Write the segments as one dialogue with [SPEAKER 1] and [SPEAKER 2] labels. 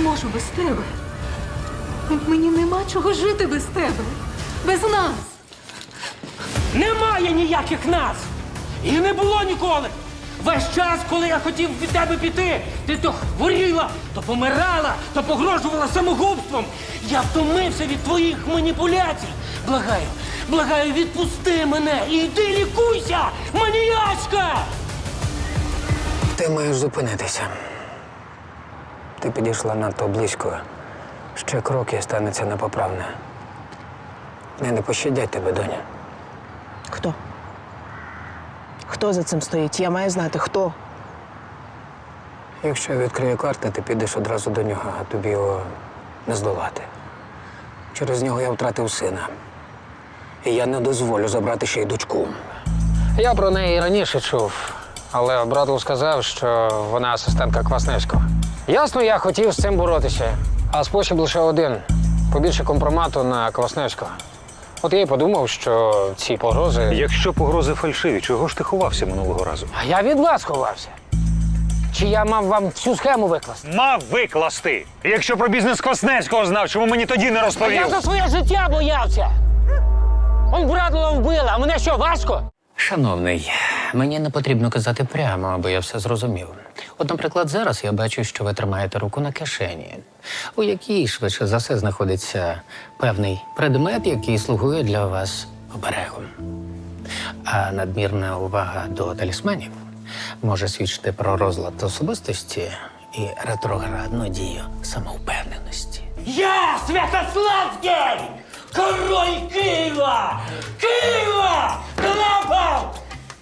[SPEAKER 1] можу без тебе. Мені нема чого жити без тебе. Без нас.
[SPEAKER 2] Немає ніяких нас! І не було ніколи! Весь час, коли я хотів від тебе піти, ти то хворіла, то помирала, то погрожувала самогубством. Я втомився від твоїх маніпуляцій. Благаю, благаю, відпусти мене і йди лікуйся, маніячка!
[SPEAKER 3] Ти маєш зупинитися. Ти підійшла надто близько. Ще крок і станеться непоправне. Не пощадять тебе, доня.
[SPEAKER 4] Хто? Хто за цим стоїть? Я маю знати, хто.
[SPEAKER 3] Якщо я відкрию карти, ти підеш одразу до нього, а тобі його не здолати. Через нього я втратив сина. І я не дозволю забрати ще й дочку. Я про неї раніше чув, але Брадлов сказав, що вона асистентка Квасневського. Ясно, я хотів з цим боротися, а спосіб лише один – побільше компромату на Квасневського. От я й подумав, що ці погрози…
[SPEAKER 5] Якщо погрози фальшиві, чого ж ти ховався минулого разу?
[SPEAKER 3] А я від вас ховався. Чи я мав вам всю схему викласти?
[SPEAKER 5] Мав викласти! Якщо про бізнес Квасневського знав, чому мені тоді не розповів?
[SPEAKER 3] Я за своє життя боявся! Он Брадлова вбила, а мене що, важко?
[SPEAKER 6] Шановний, мені не потрібно казати прямо, аби я все зрозумів. От, наприклад, зараз я бачу, що ви тримаєте руку на кишені, у якій швидше за все знаходиться певний предмет, який слугує для вас оберегом. А надмірна увага до талісманів може свідчити про розлад особистості і ретроградну дію самовпевненості.
[SPEAKER 2] Я Святославський! Король Києва! Києва! Клапав!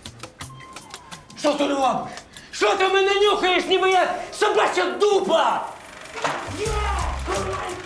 [SPEAKER 2] Що ти робиш? Що ти мене нюхаєш, ніби я собача дупа? Я король